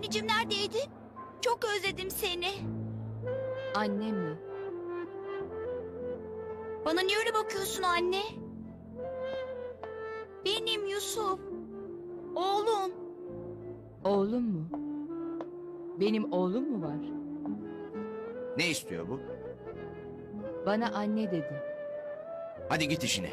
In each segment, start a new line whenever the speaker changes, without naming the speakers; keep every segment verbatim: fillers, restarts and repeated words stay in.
Anneciğim neredeydin? Çok özledim seni.
Annem mi?
Bana niye öyle bakıyorsun anne? Benim Yusuf. Oğlum.
Oğlum mu? Benim oğlum mu var?
Ne istiyor bu?
Bana anne dedi.
Hadi git işine.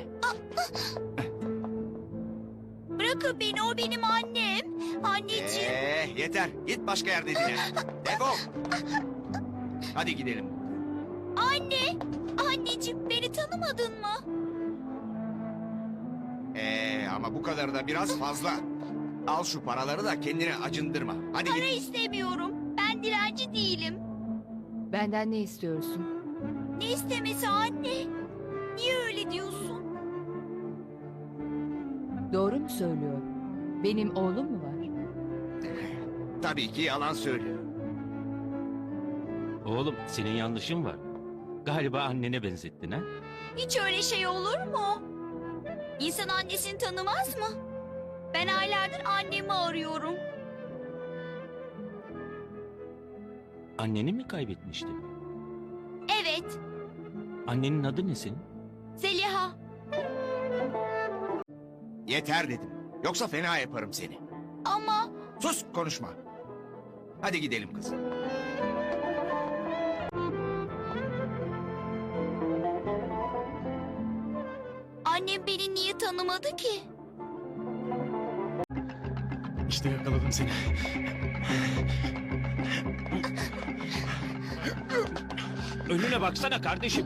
Bırakın beni, o benim annem. Anneciğim.
Ee, yeter. Git başka yerde dinle. Defol. Hadi gidelim.
Anne. Anneciğim, beni tanımadın mı?
Ee, ama bu kadar da biraz fazla. Al şu paraları da kendini acındırma. Hadi
Para
git.
istemiyorum. Ben dilenci değilim.
Benden ne istiyorsun?
Ne istemesi anne? Niye öyle diyorsun?
Doğru mu söylüyor? Benim oğlum mu var?
Tabii ki yalan söylüyor.
Oğlum senin yanlışın var. Galiba annene benzettin ha?
Hiç öyle şey olur mu? İnsan annesini tanımaz mı? Ben aylardır annemi arıyorum.
Anneni mi kaybetmiştin?
Evet,
Annenin adı ne senin?
Zeliha.
Yeter dedim. Yoksa fena yaparım seni.
Ama
Sus, konuşma. Hadi gidelim kızım.
annem beni niye tanımadı ki?
İşte yakaladım seni.
Önüne baksana kardeşim.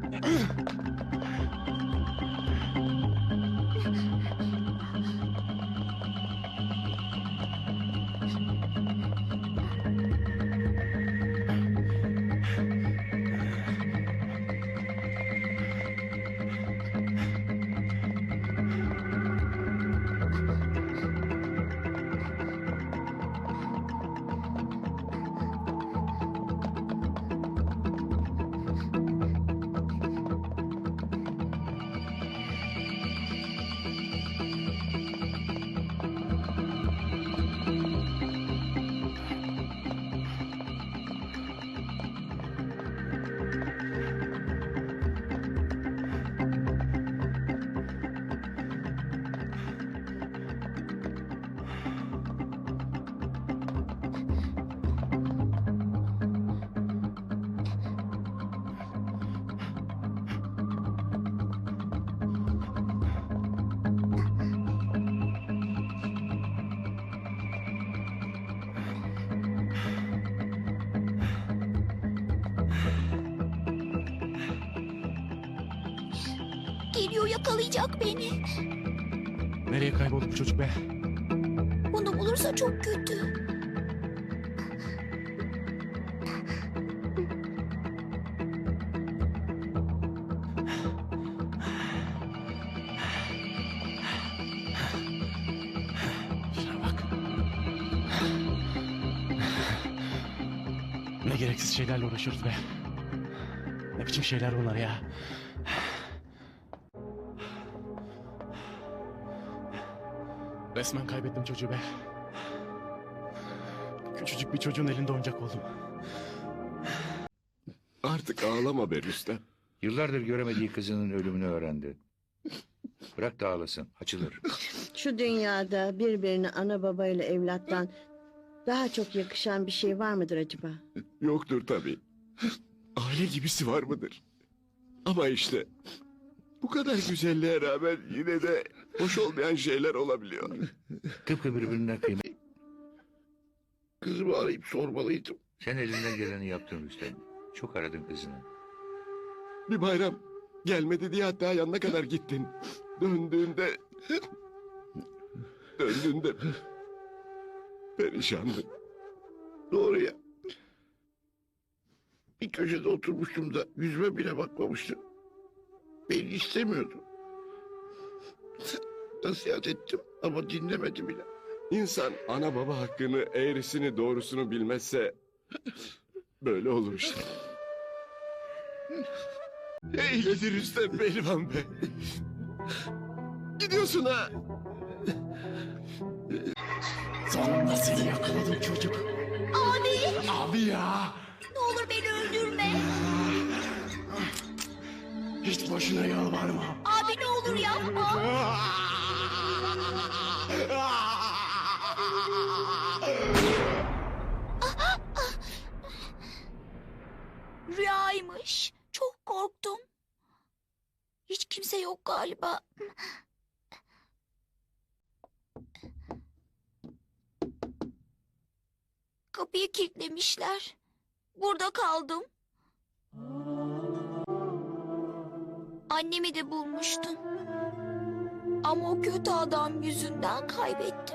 Geliyor, yakalayacak beni.
Nereye kayboldu bu çocuk be?
Bunu bulursa çok kötü.
Şuna bak. Ne gereksiz şeylerle uğraşıyoruz be. Ne biçim şeyler bunlar ya. Resmen kaybettim çocuğu be. Küçücük bir çocuğun elinde oyuncak oldum.
Artık ağlama be Rüstem.
Yıllardır göremediği kızının ölümünü öğrendi. Bırak da ağlasın, açılır.
Şu dünyada birbirine ana babayla evlattan daha çok yakışan bir şey var mıdır acaba?
Yoktur tabii. Aile gibisi var mıdır? Ama işte bu kadar güzelliğe rağmen yine de hoş olmayan şeyler olabiliyor.
Tıpkı birbirinden kıymetli.
Kızımı arayıp sormalıydım.
Sen elinden geleni yaptın Rüstem. Çok aradın kızını.
Bir bayram gelmedi diye hatta yanına kadar gittin. Döndüğünde... Döndüğünde... Perişandın. Doğru ya. Bir köşede oturmuştum da yüzüme bile bakmamıştı. Beni istemiyordu. Nasihat ettim ama dinlemedi bile. İnsan ana baba hakkını, eğrisini doğrusunu bilmezse böyle olur işte. Eğledi Rüstem Pehlivan be. Gidiyorsun ha.
Sonunda seni yakaladım çocuk.
Abi ya.
Ne olur beni öldürme.
Hiç boşuna yalvarma.
Abi ne olur yapma. Rüyaymış. Çok korktum. Hiç kimse yok galiba. Kapıyı kilitlemişler. Burada kaldım. Annemi de bulmuştum. Ama o kötü adam yüzünden kaybettim.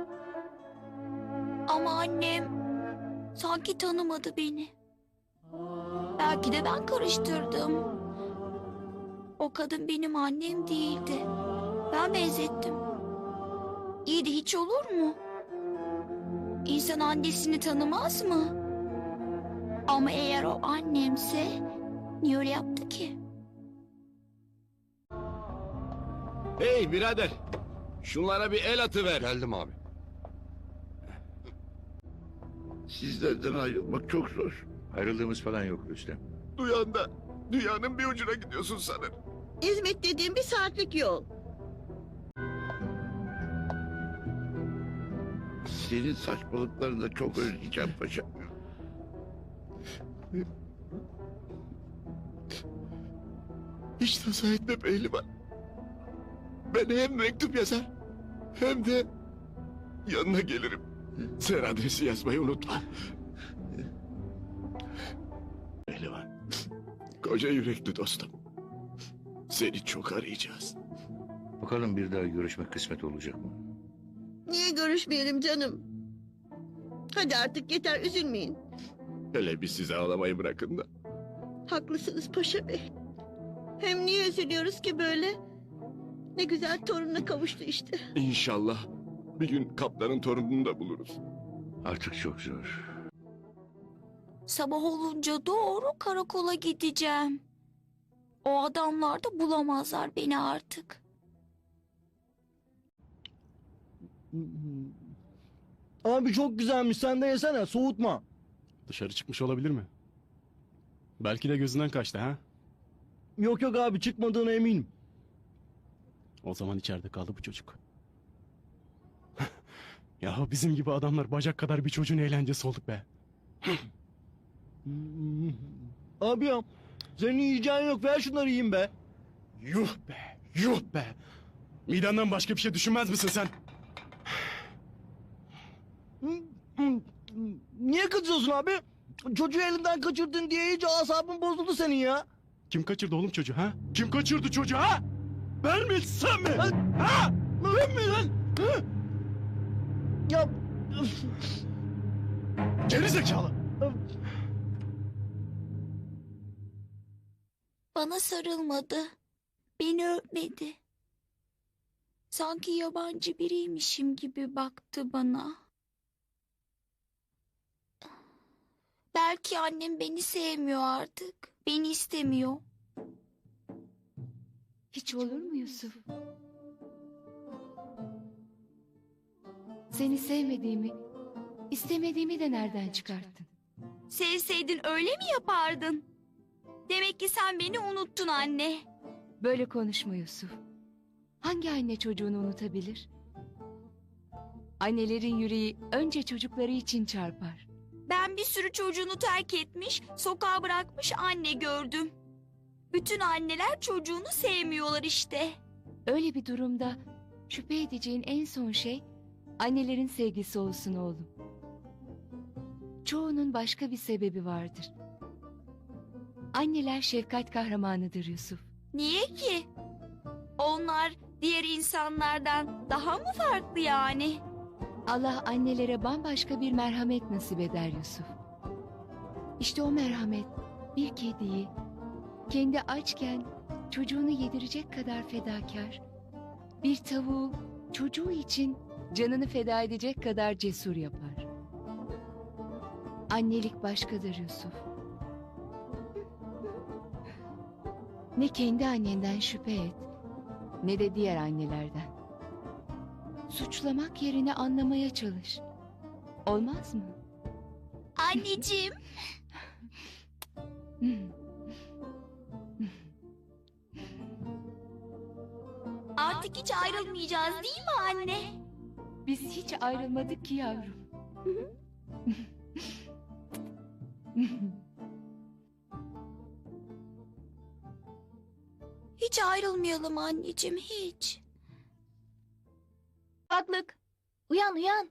Ama annem sanki tanımadı beni. Belki de ben karıştırdım. O kadın benim annem değildi. Ben benzettim. İyi de hiç olur mu? İnsan annesini tanımaz mı? Ama eğer o annemse niye öyle yaptı ki?
Hey birader. Şunlara bir el atıver.
Geldim abi.
Sizlerden ayrılmak çok zor.
Ayrıldığımız falan yok Rüstem.
Duyan da dünyanın bir ucuna gidiyorsun sanır.
İzmit dediğim bir saatlik yol.
Senin saçmalıklarını da çok özleyeceğim paşa. Hiç tasa etme pehlivan. Ben hem mektup yazar hem de yanına gelirim. Sen adresi yazmayı unutma. Pehlivan, koca yürekli dostum. Seni çok arayacağız.
Bakalım bir daha görüşmek kısmet olacak mı?
Niye görüşmeyelim canım? Hadi artık yeter, üzülmeyin.
Hele bir size ağlamayı bırakın da.
Haklısınız Paşa Bey. Hem niye üzülüyoruz ki böyle? Ne güzel torununa kavuştu işte.
İnşallah bir gün kaptanın torununu da buluruz.
Artık çok zor.
Sabah olunca doğru karakola gideceğim. O adamlar da bulamazlar beni artık.
Abi çok güzelmiş, sen de yesene, soğutma.
Dışarı çıkmış olabilir mi? Belki de gözünden kaçtı ha?
Yok yok abi, çıkmadığına eminim.
O zaman içeride kaldı bu çocuk. Ya bizim gibi adamlar bacak kadar bir çocuğun eğlencesi olduk be.
Abi ya, senin yiyeceğin yok, ver şunları yiyeyim be.
Yuh be, yuh be. Midenden başka bir şey düşünmez misin sen?
Niye kızıyorsun abi? Çocuğu elinden kaçırdın diye iyice asabın bozuldu senin ya.
Kim kaçırdı oğlum çocuğu ha? Kim kaçırdı çocuğu ha? Ben mi sen mi? Ha? Ben mi lan? Ha?
Ya...
Geri zekalı.
Bana sarılmadı. Beni öpmedi. Sanki yabancı biriymişim gibi baktı bana. Belki annem beni sevmiyor artık. Beni istemiyor.
Hiç olur mu Yusuf? Seni sevmediğimi, istemediğimi de nereden çıkarttın?
Sevseydin öyle mi yapardın? Demek ki sen beni unuttun anne.
Böyle konuşma Yusuf. Hangi anne çocuğunu unutabilir? Annelerin yüreği önce çocukları için çarpar.
Ben bir sürü çocuğunu terk etmiş, sokağa bırakmış anne gördüm. Bütün anneler çocuğunu sevmiyorlar işte.
Öyle bir durumda şüphe edeceğin en son şey annelerin sevgisi olsun oğlum. Çoğunun başka bir sebebi vardır. Anneler şefkat kahramanıdır Yusuf.
Niye ki? Onlar diğer insanlardan daha mı farklı yani?
Allah annelere bambaşka bir merhamet nasip eder Yusuf. İşte o merhamet bir kediyi kendi açken çocuğunu yedirecek kadar fedakar, bir tavuğu çocuğu için canını feda edecek kadar cesur yapar. Annelik başkadır Yusuf. Ne kendi annenden şüphe et, ne de diğer annelerden. Suçlamak yerine anlamaya çalış. Olmaz mı?
Anneciğim. Artık hiç ayrılmayacağız değil mi anne?
Biz hiç ayrılmadık ki yavrum.
Hiç ayrılmayalım anneciğim, hiç.
Baklık. Uyan uyan.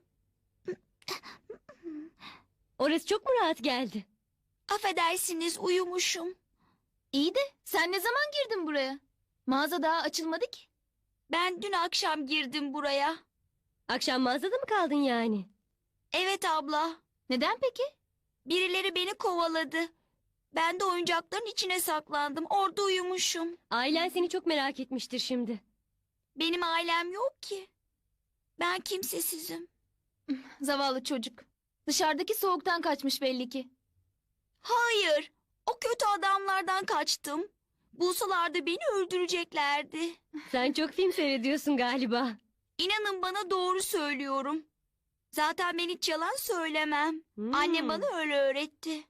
Orası çok mu rahat geldi?
Affedersiniz, uyumuşum.
İyi de sen ne zaman girdin buraya? Mağaza daha açılmadı ki.
Ben dün akşam girdim buraya.
Akşam mağazada mı kaldın yani?
Evet abla.
Neden peki?
Birileri beni kovaladı. Ben de oyuncakların içine saklandım. Orada uyumuşum.
Ailen seni çok merak etmiştir şimdi.
Benim ailem yok ki. Ben kimsesizim.
Zavallı çocuk. Dışarıdaki soğuktan kaçmış belli ki.
Hayır. O kötü adamlardan kaçtım. Bulsalardı beni öldüreceklerdi.
Sen çok film seyrediyorsun galiba.
İnanın bana, doğru söylüyorum. Zaten ben hiç yalan söylemem.
Hmm.
Annem bana öyle öğretti.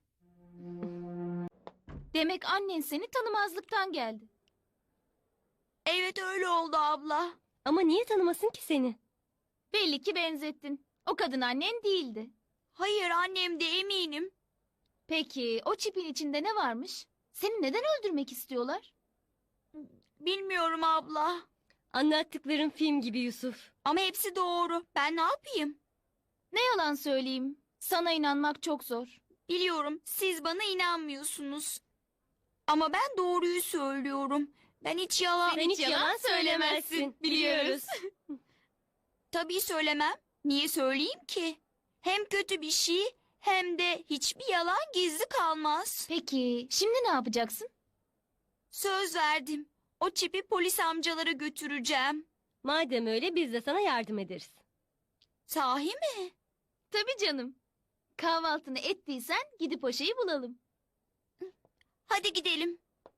Demek annen seni tanımazlıktan geldi.
Evet, öyle oldu abla.
Ama niye tanımasın ki seni? Belli ki benzettin. O kadın annen değildi.
Hayır, annem de, eminim.
Peki o çipin içinde ne varmış? Seni neden öldürmek istiyorlar?
Bilmiyorum abla.
Anlattıkların film gibi Yusuf.
Ama hepsi doğru. Ben ne yapayım?
Ne yalan söyleyeyim. Sana inanmak çok zor.
Biliyorum, siz bana inanmıyorsunuz. Ama ben doğruyu söylüyorum. Ben hiç yalan...
Sen hiç yalan söylemezsin, biliyoruz.
Tabii söylemem. Niye söyleyeyim ki? Hem kötü bir şey hem de hiçbir yalan gizli kalmaz.
Peki şimdi ne yapacaksın?
Söz verdim. O çipi polis amcalara götüreceğim.
Madem öyle biz de sana yardım ederiz.
Sahi mi?
Tabii canım. Kahvaltını ettiysen gidip o şeyi bulalım.
Hadi gidelim.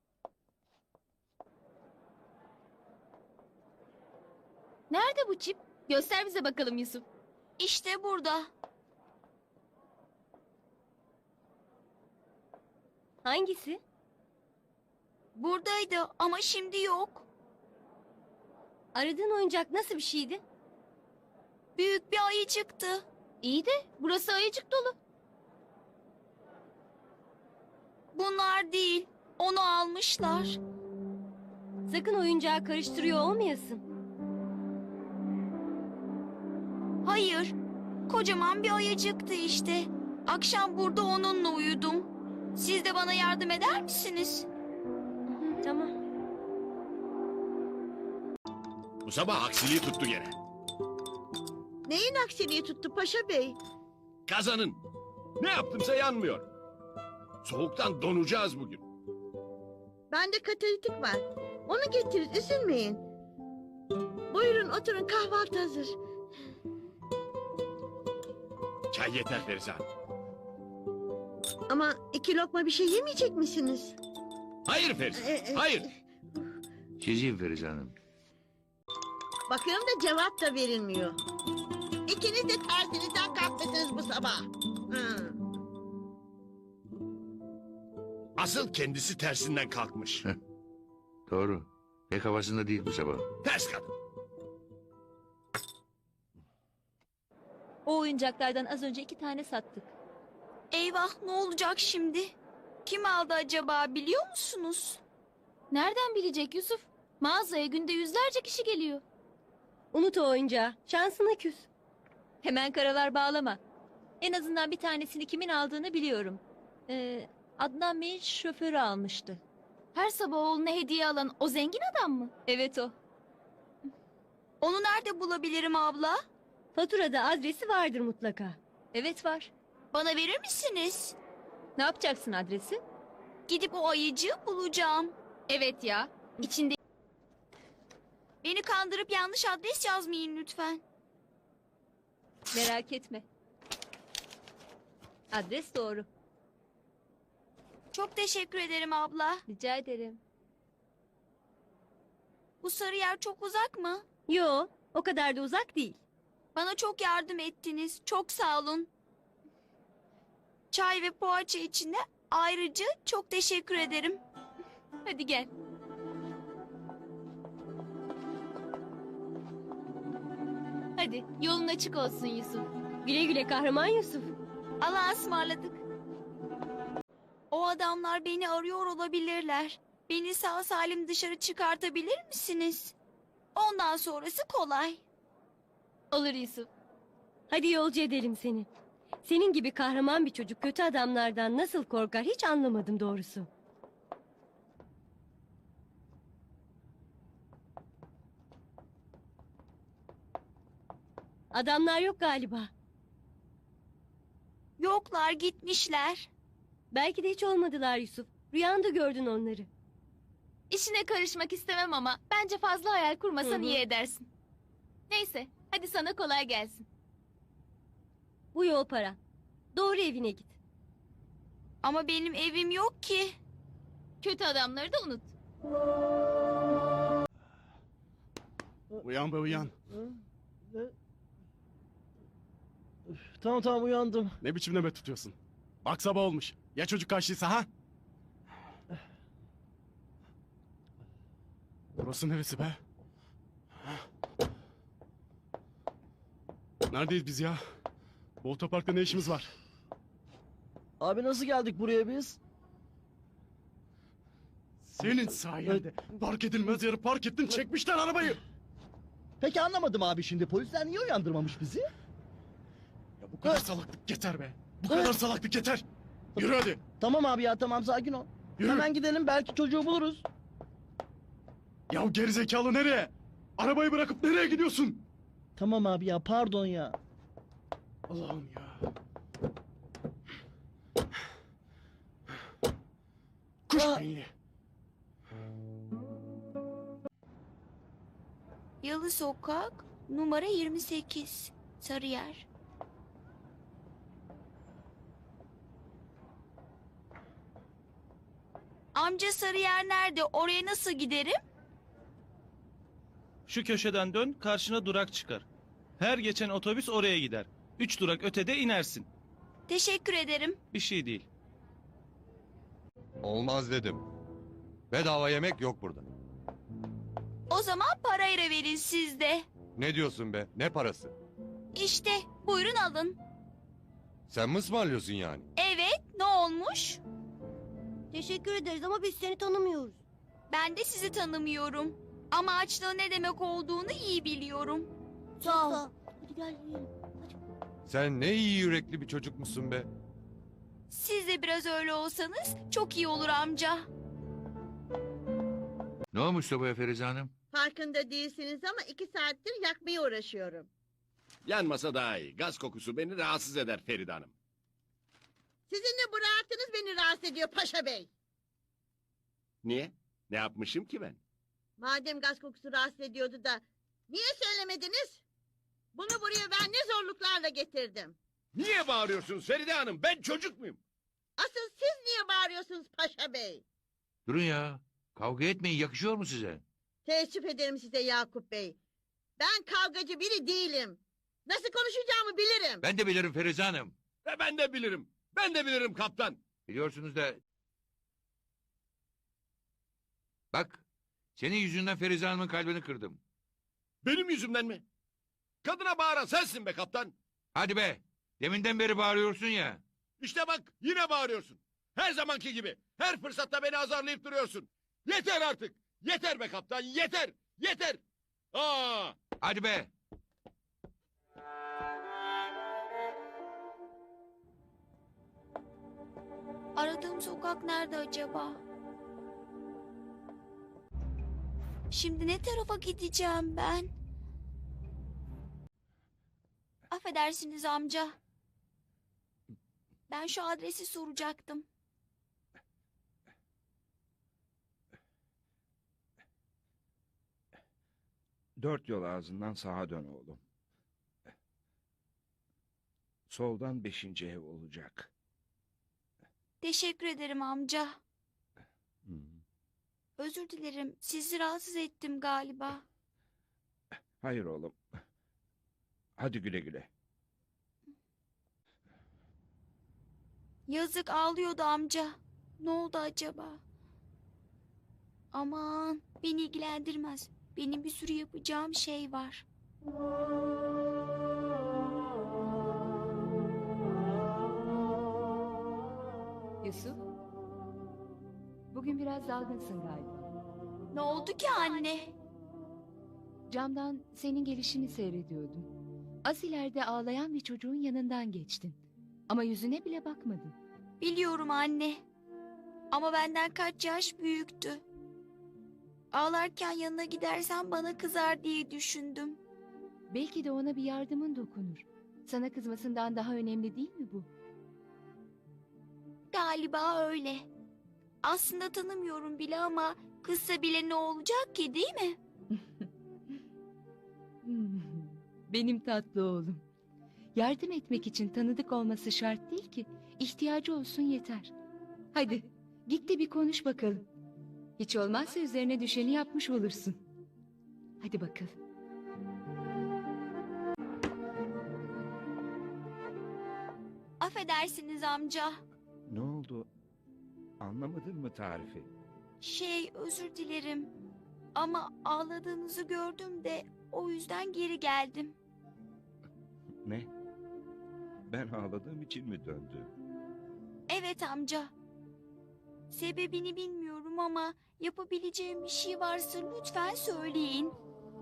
Nerede bu çip? Göster bize bakalım Yusuf.
İşte burada.
Hangisi?
Buradaydı ama şimdi yok.
Aradığın oyuncak nasıl bir şeydi?
Büyük bir ayı çıktı.
İyi de burası ayıcık dolu.
Bunlar değil. Onu almışlar.
Sakın oyuncağı karıştırıyor olmayasın.
Hayır. Kocaman bir ayıcıktı işte. Akşam burada onunla uyudum. Siz de bana yardım eder misiniz?
Tamam.
Bu sabah aksiliği tuttu gene.
Neyin aksiliği tuttu Paşa Bey?
Kazanın. Ne yaptımsa yanmıyor. Soğuktan donacağız bugün.
Bende katalitik var. Onu getirin, üzülmeyin. Buyurun oturun, kahvaltı hazır.
Çay yeter Ferizan.
Ama iki lokma bir şey yemeyecek misiniz?
Hayır Ferizan,
Ee, e,
hayır.
Çizeyim Ferize Hanım.
Bakıyorum da cevap da verilmiyor. İkiniz de tersinizden kalkmışsınız bu sabah. Hı.
Asıl kendisi tersinden kalkmış.
Doğru. Pek havasında değil bu sabah.
Ters kadın.
O oyuncaklardan az önce iki tane sattık.
Eyvah, ne olacak şimdi? Kim aldı acaba, biliyor musunuz?
Nereden bilecek Yusuf? Mağazaya günde yüzlerce kişi geliyor. Unut o oyuncağı. Şansına küs. Hemen karalar bağlama. En azından bir tanesini kimin aldığını biliyorum. Ee, Adnan Bey'in şoförü almıştı. Her sabah oğluna hediye alan o zengin adam mı? Evet o.
Onu nerede bulabilirim abla?
Faturada adresi vardır mutlaka. Evet var.
Bana verir misiniz?
Ne yapacaksın adresi?
Gidip o ayıcığı bulacağım.
Evet ya. İçinde...
Beni kandırıp yanlış adres yazmayın lütfen.
Merak etme. Adres doğru.
Çok teşekkür ederim abla.
Rica ederim.
Bu sarı yer çok uzak mı?
Yo, o kadar da uzak değil.
Bana çok yardım ettiniz. Çok sağ olun. Çay ve poğaça için de ayrıca çok teşekkür ederim.
Hadi gel. Hadi yolun açık olsun Yusuf. Güle güle kahraman Yusuf.
Allah'a ısmarladık. O adamlar beni arıyor olabilirler. Beni sağ salim dışarı çıkartabilir misiniz? Ondan sonrası kolay.
Olur Yusuf. Hadi yolcu edelim seni. Senin gibi kahraman bir çocuk kötü adamlardan nasıl korkar hiç anlamadım doğrusu. Adamlar yok galiba.
Yoklar, gitmişler.
Belki de hiç olmadılar Yusuf. Rüyanda gördün onları. İşine karışmak istemem ama bence fazla hayal kurmasan iyi edersin. Neyse, hadi sana kolay gelsin. Bu yol para. Doğru evine git.
Ama benim evim yok ki.
Kötü adamları da unut.
Uyan be uyan.
Üf, tamam tamam uyandım.
Ne biçim nöbet tutuyorsun? Bak sabah olmuş. Ya çocuk kaçtıysa ha? Burası neresi be? Neredeyiz biz ya? Bu otoparkta ne işimiz var?
Abi nasıl geldik buraya biz?
Senin sayende park edilmez yeri park ettin, çekmişler arabayı.
Peki anlamadım abi şimdi. Polisler niye uyandırmamış bizi?
Ya bu kadar salaklık yeter be. Bu kadar salaklık yeter. Yürü hadi.
Tamam abi ya tamam sakin ol.
Yürü.
Hemen gidelim belki çocuğu buluruz.
Ya gerizekalı nereye? Arabayı bırakıp nereye gidiyorsun?
Tamam abi ya pardon ya.
Allah'ım ya. Kuş
Aa.
beyni.
Yalı Sokak, numara yirmi sekiz, Sarıyer. Amca Sarıyer nerede? Oraya nasıl giderim?
Şu köşeden dön, karşına durak çıkar. Her geçen otobüs oraya gider. Üç durak ötede inersin.
Teşekkür ederim.
Bir şey değil.
Olmaz dedim. Bedava yemek yok burada.
O zaman parayla verin siz de.
Ne diyorsun be? Ne parası?
İşte buyurun alın.
Sen mi ısmarlıyorsun yani?
Evet, ne olmuş?
Teşekkür ederiz ama biz seni tanımıyoruz.
Ben de sizi tanımıyorum. Ama açlığın ne demek olduğunu iyi biliyorum.
Sağ ol. Hadi gel yiyelim.
Sen ne iyi yürekli bir çocukmuşsun be.
Siz de biraz öyle olsanız çok iyi olur amca.
Ne olmuş sobaya Ferize Hanım?
Farkında değilsiniz ama iki saattir yakmaya uğraşıyorum.
Yanmasa daha iyi. Gaz kokusu beni rahatsız eder Feride Hanım.
Sizin de bu rahatınız beni rahatsız ediyor Paşa Bey.
Niye? Ne yapmışım ki ben?
Madem gaz kokusu rahatsız ediyordu da niye söylemediniz? Bunu buraya ben ne zorluklarla getirdim.
Niye bağırıyorsunuz Feride Hanım? Ben çocuk muyum?
Asıl siz niye bağırıyorsunuz Paşa Bey?
Durun ya. Kavga etmeyin, yakışıyor mu size?
Teessüf ederim size Yakup Bey. Ben kavgacı biri değilim. Nasıl konuşacağımı bilirim.
Ben de bilirim Ferize Hanım.
E ben de bilirim. Ben de bilirim kaptan.
Biliyorsunuz da... Bak, senin yüzünden Ferize Hanım'ın kalbini kırdım.
Benim yüzümden mi? Kadına bağıran sensin be kaptan.
Hadi be, deminden beri bağırıyorsun ya.
İşte bak yine bağırıyorsun. Her zamanki gibi. Her fırsatta beni azarlayıp duruyorsun. Yeter artık. Yeter be kaptan yeter. Yeter. Aa!
Hadi be.
Aradığım sokak nerede acaba? Şimdi ne tarafa gideceğim ben? Affedersiniz amca. Ben şu adresi soracaktım.
Dört yol ağzından sağa dön oğlum. Soldan beşinci ev olacak.
Teşekkür ederim amca.
Hı.
Özür dilerim. Sizi rahatsız ettim galiba.
Hayır oğlum. Hadi güle güle.
Yazık, ağlıyordu amca. Ne oldu acaba? Aman, beni ilgilendirmez. Benim bir sürü yapacağım şey var.
Yusuf, bugün biraz dalgınsın galiba.
Ne oldu ki anne?
Camdan senin gelişini seyrediyordum. Az ileride ağlayan bir çocuğun yanından geçtin. Ama yüzüne bile bakmadın.
Biliyorum anne. Ama benden kaç yaş büyüktü. Ağlarken yanına gidersem bana kızar diye düşündüm.
Belki de ona bir yardımın dokunur. Sana kızmasından daha önemli değil mi bu?
Galiba öyle. Aslında tanımıyorum bile ama kızsa bile ne olacak ki, değil mi?
Hmm, benim tatlı oğlum. Yardım etmek için tanıdık olması şart değil ki. İhtiyacı olsun yeter. Hadi git de bir konuş bakalım. Hiç olmazsa üzerine düşeni yapmış olursun. Hadi bakalım.
Affedersiniz amca.
Ne oldu? Anlamadın mı tarifi?
Şey, özür dilerim. Ama ağladığınızı gördüm de o yüzden geri geldim.
Ne? Ben ağladığım için mi döndü?
Evet amca. Sebebini bilmiyorum ama yapabileceğim bir şey varsa lütfen söyleyin.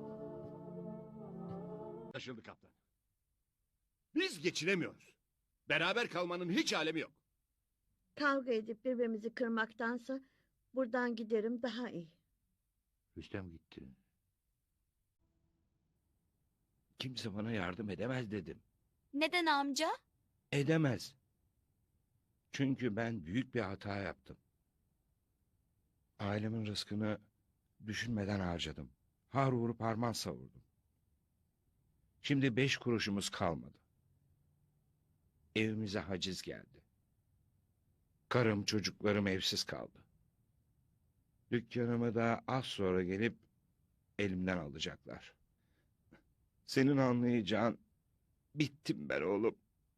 Anlaşıldı kaptan. Biz geçinemiyoruz. Beraber kalmanın hiç alemi yok.
Kavga edip birbirimizi kırmaktansa buradan giderim daha iyi.
Rüstem gitti.
Kimse bana yardım edemez dedim.
Neden amca?
Edemez. Çünkü ben büyük bir hata yaptım. Ailemin rızkını düşünmeden harcadım. Har vurup harman savurdum. Şimdi beş kuruşumuz kalmadı. Evimize haciz geldi. Karım çocuklarım evsiz kaldı. Dükkanımı da az sonra gelip elimden alacaklar. Senin anlayacağın, bittim ben oğlum.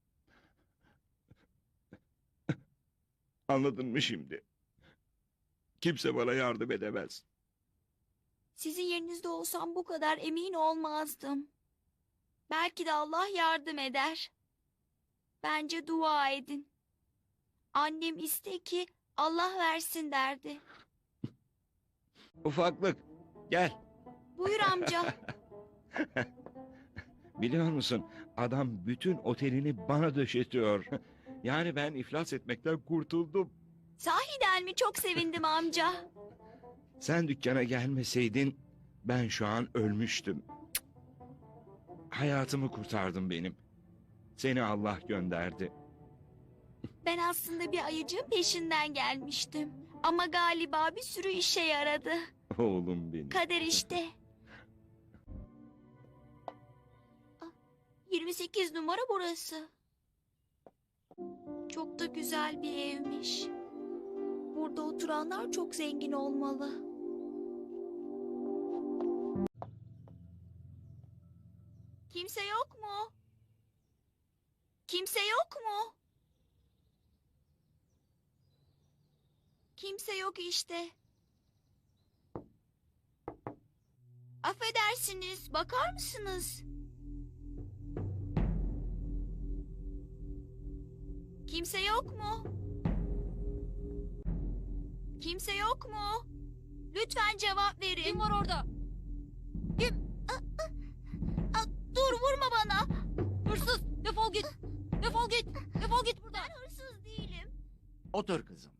Anladın mı şimdi? Kimse bana yardım edemez.
Sizin yerinizde olsam bu kadar emin olmazdım. Belki de Allah yardım eder. Bence dua edin. Annem iste ki Allah versin derdi.
Ufaklık, gel.
Buyur amca.
Biliyor musun, adam bütün otelini bana döşetiyor. Yani ben iflas etmekten kurtuldum.
Sahiden mi? Çok sevindim amca.
Sen dükkana gelmeseydin ben şu an ölmüştüm. Cık. Hayatımı kurtardın benim. Seni Allah gönderdi.
Ben aslında bir ayıcığın peşinden gelmiştim. Ama galiba bir sürü işe yaradı.
Oğlum benim.
Kader işte. Ah, yirmi sekiz numara burası. Çok da güzel bir evmiş. Burada oturanlar çok zengin olmalı. Kimse yok mu? Kimse yok mu? Kimse yok işte. Affedersiniz, bakar mısınız? Kimse yok mu? Kimse yok mu? Lütfen cevap verin. Kim var orada? Kim? Aa, aa, aa, dur, vurma bana. Hırsız, defol git. Defol git. Defol git buradan. Ben hırsız değilim.
Otur kızım.